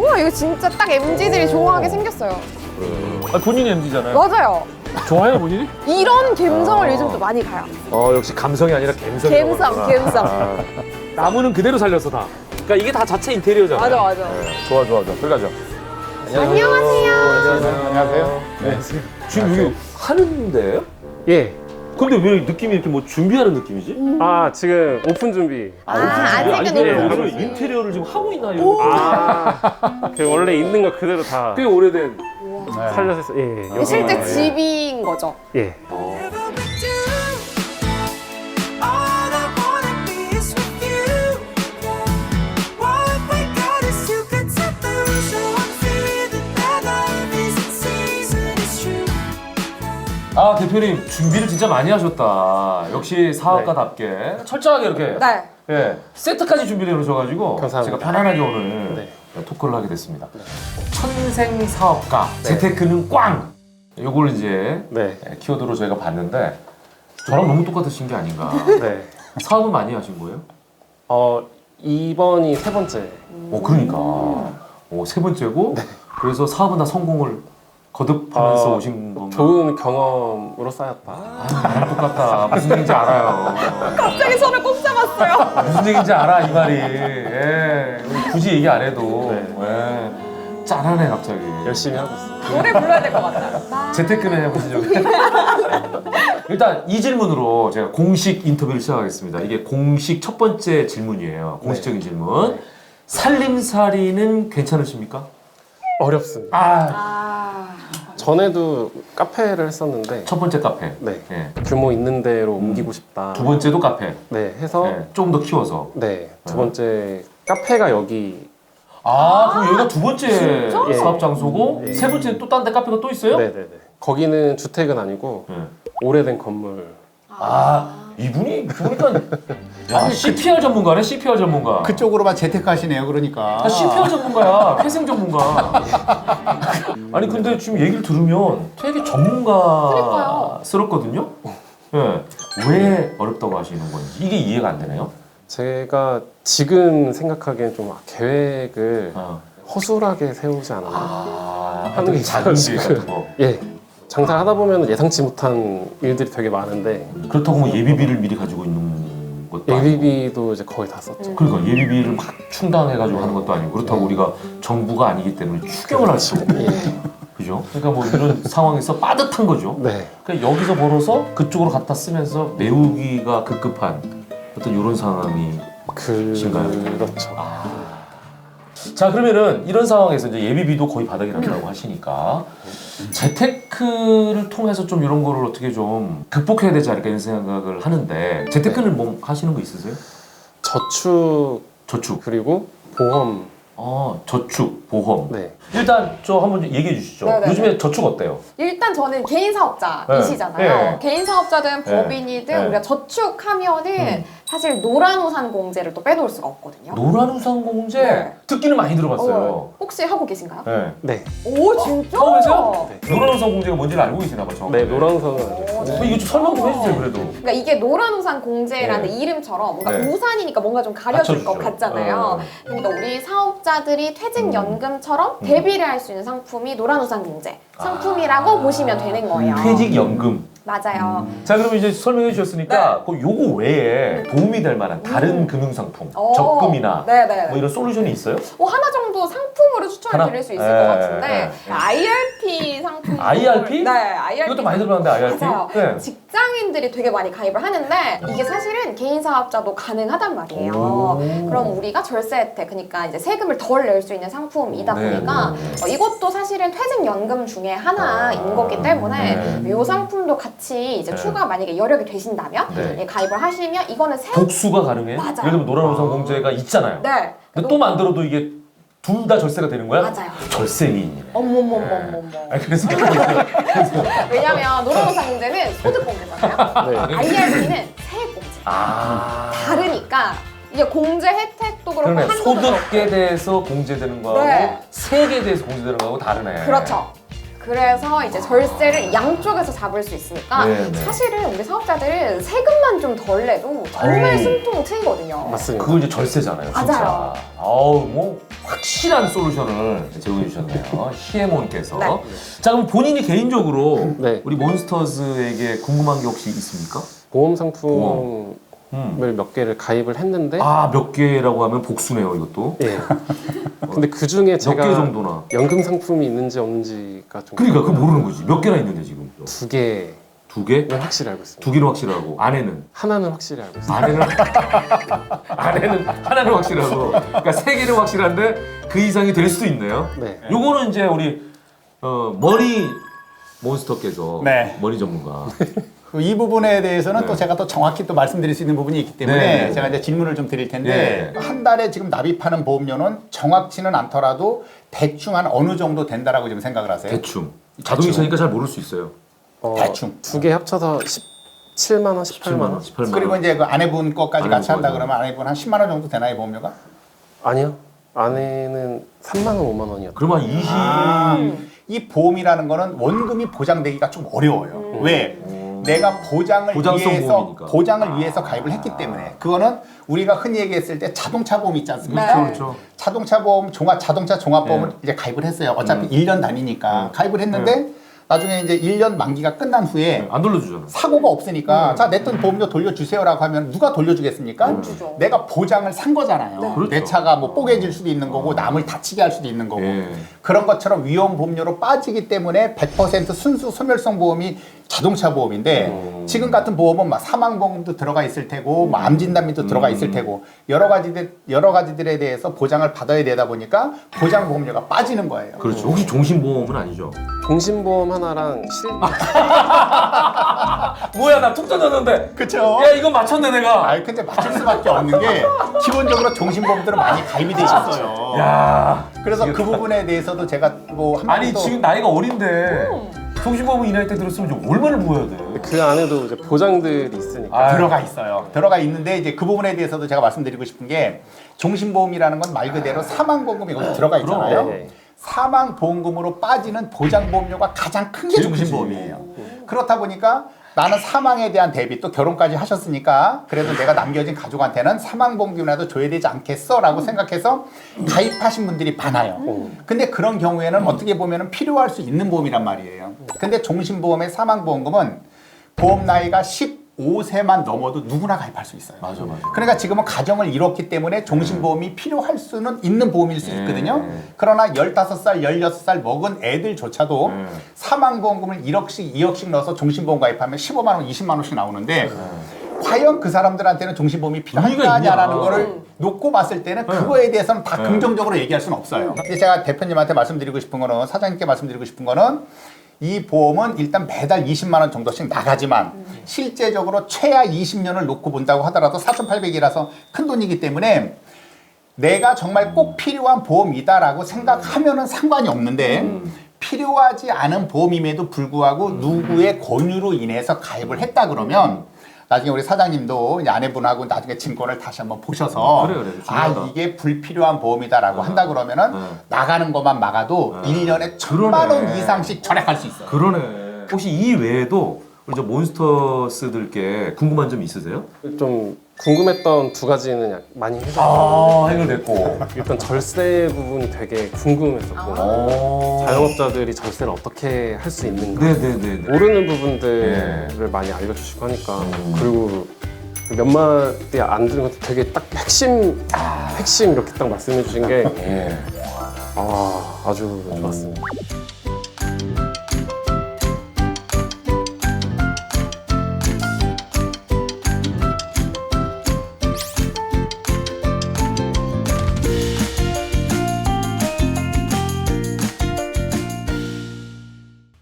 우와, 이거 진짜 딱 MZ들이 좋아하게 생겼어요. 아, 본인이 MZ잖아요. 맞아요. 좋아요, 본인이? 이런 갬성을 요즘 또 많이 가요. 역시 감성이 아니라 갬성이. 갬성. 나무는 그대로 살렸어, 다. 그러니까 이게 다 자체 인테리어잖아요. 맞아. 좋아. 들어가죠. 안녕하세요. 안녕하세요. 네. 지금 여기 하는데요? 예. 근데 왜 느낌이 이렇게 뭐 준비하는 느낌이지? 아, 지금 오픈 준비. 아직은 그러면 오픈. 인테리어를 지금 하고 있나요? 그 원래 있는 거 그대로 다 꽤 오래된. 살려서 했어요. 예. 여기. 실제 집인 거죠. 예. 아, 대표님 준비를 진짜 많이 하셨다. 역시 사업가답게 철저하게 이렇게. 네. 예, 세트까지 준비를 해놓으셔가지고 감사합니다. 제가 편안하게 오늘 네. 토크를 하게 됐습니다. 천생 사업가 재테크는 꽝. 요걸 이제 네. 키워드로 저희가 봤는데 저랑 너무 똑같으신 게 아닌가. 네. 사업은 많이 하신 거예요? 이번이 세 번째. 그러니까 세 번째고 그래서 사업은 다 성공을 거듭하면서 오신 건가? 좋은 경험으로 쌓였다. 나랑 똑같다. 무슨 얘기인지 알아요. 갑자기 손을 꼭 잡았어요. 무슨 얘기인지 알아 이 말이. 예. 굳이 얘기 안 해도 예. 짠하네 갑자기. 열심히 하고 있습니다. 노래 불러야 될 것 같아요. 재테크는 해보시죠. 일단 이 질문으로 제가 공식 인터뷰를 시작하겠습니다. 이게 공식 첫 번째 질문이에요. 공식적인 질문. 살림살이는 괜찮으십니까? 어렵습니다. 전에도 카페를 했었는데 첫 번째 카페. 네. 예. 규모 있는 데로 옮기고 싶다. 두 번째도 카페. 네. 해서 예. 조금 더 키워서. 두 번째 카페가 여기. 그럼 여기가 두 번째 예. 사업 장소고 예. 세 번째는 또 딴 데 카페가 또 있어요? 네네네. 거기는 주택은 아니고 예. 오래된 건물. 이분이 보니까 CPR 전문가네, CPR 전문가. 그쪽으로만 재테크하시네요. 그러니까. CPR 전문가야, 회생 전문가. 아니 근데 지금 얘기를 들으면 되게 전문가스럽거든요. 예. 왜 어렵다고 하시는 건지 이게 이해가 안 되네요. 제가 지금 생각하기엔 좀 계획을 어. 허술하게 세우지 않았나. 하는 게 작은 일 같은 거. 예. 장사를 하다 보면 예상치 못한 일들이 되게 많은데 그렇다고 뭐 예비비를 미리 가지고 있는 것도 아니고. 예비비도 이제 거의 다 썼죠. 그러니까 예비비를 막 충당해가지고 하는 것도 아니고 그렇다고 우리가 정부가 아니기 때문에 추경을 할 수 없고 그죠? 그러니까 뭐 이런 상황에서 빠듯한 거죠. 네. 그러니까 여기서 벌어서 그쪽으로 갖다 쓰면서 메우기가 급급한 어떤 이런 상황이 신가요? 그렇죠. 자 그러면은 이런 상황에서 이제 예비비도 거의 바닥이 난다고 하시니까 재테크를 통해서 좀 이런 거를 어떻게 좀 극복해야 되지 않을까 이런 생각을 하는데 재테크는 뭐 하시는 거 있으세요? 저축 그리고 보험. 저축, 보험. 네. 일단 저 한번 얘기해 주시죠. 네네네. 요즘에 저축 어때요? 일단 저는 개인 사업자이시잖아요. 네. 개인 사업자든 네. 법인이든 네. 우리가 저축하면은 사실 노란우산 공제를 또 빼놓을 수가 없거든요. 노란우산공제 네. 듣기는 많이 들어봤어요. 혹시 하고 계신가요? 네. 네. 오 진짜? 하고 계세요? 네. 노란우산공제가 뭔지를 알고 계시나 봐. 네, 노란우산은 알죠. 이거 좀 설명 좀 해주세요 그래도. 그러니까 이게 노란우산 공제라는 네. 이름처럼 뭔가 네. 우산이니까 뭔가 좀 가려질 것 받쳐주죠. 같잖아요. 그러니까 우리 사업자들이 퇴직연금처럼 대비를 할 수 있는 상품이 노란우산 공제 상품이라고 보시면 되는 거예요. 퇴직연금. 맞아요. 자 그럼 이제 설명해 주셨으니까 그 요거 외에 도움이 될 만한 다른 금융상품, 적금이나 네네. 뭐 이런 솔루션이 있어요? 하나 정도 상품으로 추천을 하나? 드릴 수 있을 네, 것 같은데 네. IRP 상품. IRP? 네, IRP. 이것도 많이 들어봤는데 IRP? 맞아요. 네. 직장인들이 되게 많이 가입을 하는데 이게 사실은 개인 사업자도 가능하단 말이에요. 오. 그럼 우리가 절세 혜택, 그러니까 이제 세금을 덜 낼 수 있는 상품이다 네, 보니까 네, 이것도 사실은 퇴직연금 중에 하나인 거기 때문에 네. 이 상품도 같이 이제 네. 추가 만약에 여력이 되신다면 네. 예, 가입을 하시면 이거는 복수가 가능해? 맞아요. 예를 들면 노란우산공제가 있잖아요. 네. 근데 또 만들어도 이게 둘 다 절세가 되는 거야? 맞아요. 절세 미인이네. 어머머머머머. 그래서 왜냐면 노란우산 공제는 소득 공제잖아요. 네. IRP는 세액 공제. 다르니까 이게 공제 혜택도 그렇고 그러네. 한도도 소득에 그렇고. 대해서 공제되는 거하고 네. 세액에 대해서 공제되는 거하고 다르네. 그렇죠. 그래서 이제 절세를 양쪽에서 잡을 수 있으니까 네, 네. 사실은 우리 사업자들은 세금만 좀 덜 내도 정말 어우. 숨통 트이거든요. 맞습니다. 그거 이제 절세잖아요, 진짜. 맞아요. 아우 뭐 확실한 솔루션을 제공해 주셨네요. 시에몬께서. 네. 자, 그럼 본인이 개인적으로 네. 우리 몬스터즈에게 궁금한 게 혹시 있습니까? 보험 상품을 음. 몇 개를 가입을 했는데 아, 몇 개라고 하면 복수네요, 이것도. 예. 근데 그 중에 몇 제가 개 정도나? 연금 상품이 있는지 없는지가 좀 그러니까 그거 모르는 거지. 몇 개나 있는데 지금? 2개는 두 개? 확실히 알고 있습니다. 두 개는 확실하고 아내는? 하나는 확실히 알고 있습니다. 아내는 하나는 확실하고 그러니까 세 개는 확실한데 그 이상이 될 수도 있네요. 네. 요거는 이제 우리 머리 몬스터께서 네. 머리 전문가. 이 부분에 대해서는 네. 또 제가 또 정확히 또 말씀드릴 수 있는 부분이 있기 때문에 네. 제가 이제 질문을 좀 드릴 텐데 네. 한 달에 지금 납입하는 보험료는 정확치는 않더라도 대충 한 어느 정도 된다라고 지금 생각을 하세요? 대충. 자동이체니까 잘 모를 수 있어요. 대충. 2개 합쳐서 17만 원, 18만 원? 18만 원. 그리고 이제 그 아내분 거까지 같이 아내분 한다 거죠. 그러면 아내분 한 10만 원 정도 되나요, 보험료가? 아니요. 아내는 3만 원, 5만 원이었죠. 그러면 한 20. 이 보험이라는 거는 원금이 보장되기가 좀 어려워요. 왜? 내가 보장을 보장성 위해서 보험이니까. 보장을 위해서 가입을 했기 때문에 그거는 우리가 흔히 얘기했을 때 자동차 보험 있지 않습니까? 네. 그렇죠. 자동차 보험, 자동차 종합보험을 이제 가입을 했어요. 어차피 1년 단위니까 가입을 했는데 나중에 이제 1년 만기가 끝난 후에 안 돌려주잖아. 사고가 없으니까 자, 내 돈 보험료 돌려주세요라고 하면 누가 돌려주겠습니까? 주죠. 내가 보장을 산 거잖아요. 그렇죠. 내 차가 뭐 뽀개질 수도 있는 거고 남을 다치게 할 수도 있는 거고 예. 그런 것처럼 위험 보험료로 빠지기 때문에 100% 순수 소멸성 보험이 자동차 보험인데 지금 같은 보험은 막 사망 보험도 들어가 있을 테고 뭐 암 진단비도 들어가 있을 테고 여러 가지들에 대해서 보장을 받아야 되다 보니까 보장 보험료가 빠지는 거예요. 그렇죠. 혹시 종신보험은 아니죠? 종신보험 하나랑 뭐야, 나 툭 던졌는데. 그렇죠. 야, 이거 맞췄네 내가. 아, 근데 맞출 수밖에 없는 게 기본적으로 종신보험들은 많이 가입이 돼 있어요. 야. 그래서 그 부분에 대해서도 제가 뭐 아니 한마디도 지금 나이가 어린데 종신보험은 이 나이 때 들었으면 이제 얼마를 부어야 돼? 그 안에도 이제 보장들이 있으니까 아, 들어가 있어요. 들어가 있는데 이제 그 부분에 대해서도 제가 말씀드리고 싶은 게 종신보험이라는 건 말 그대로 사망보험이 거기 들어가 있잖아요. 네. 사망보험금으로 빠지는 보장보험료가 가장 큰 게 제일 종신보험이에요. 그렇다 보니까 나는 사망에 대한 대비 또 결혼까지 하셨으니까 그래도 내가 남겨진 가족한테는 사망보험금이라도 줘야 되지 않겠어라고 생각해서 가입하신 분들이 많아요. 근데 그런 경우에는 어떻게 보면 필요할 수 있는 보험이란 말이에요. 근데 종신보험의 사망보험금은 보험 나이가 15세만 넘어도 누구나 가입할 수 있어요. 맞아. 그러니까 지금은 가정을 이뤘기 때문에 종신보험이 필요할 수는 있는 보험일 수 있거든요. 네. 그러나 15살, 16살 먹은 애들조차도 사망보험금을 1억씩, 2억씩 넣어서 종신보험 가입하면 15만 원, 20만 원씩 나오는데 과연 그 사람들한테는 종신보험이 의미가 필요하냐라는 있냐. 거를 놓고 봤을 때는 그거에 대해서는 다 긍정적으로 얘기할 수는 없어요. 근데 제가 대표님한테 말씀드리고 싶은 거는, 사장님께 말씀드리고 싶은 거는 이 보험은 일단 매달 20만 원 정도씩 나가지만 실제적으로 최하 20년을 놓고 본다고 하더라도 4,800이라서 큰 돈이기 때문에 내가 정말 꼭 필요한 보험이다라고 생각하면은 상관이 없는데 필요하지 않은 보험임에도 불구하고 누구의 권유로 인해서 가입을 했다 그러면 나중에 우리 사장님도 이제 아내분하고 나중에 증권을 다시 한번 보셔서 그래, 아 중요하다. 이게 불필요한 보험이다라고 한다 그러면은 나가는 것만 막아도 1년에 1,000만 원 그러네. 이상씩 절약할 수 있어요. 그러네. 혹시 이 외에도 우리 저 몬스터스들께 궁금한 점 있으세요? 좀 궁금했던 두 가지는 많이 해결했어요. 아, 해결됐고. 일단 절세 부분이 되게 궁금했었고 자영업자들이 절세를 어떻게 할 수 있는가 네네네. 모르는 부분들을 많이 알려주시고 하니까 그리고 몇 마디 안 들은 것도 되게 딱 핵심 이렇게 딱 말씀해 주신 게 예. 아주 좋았습니다.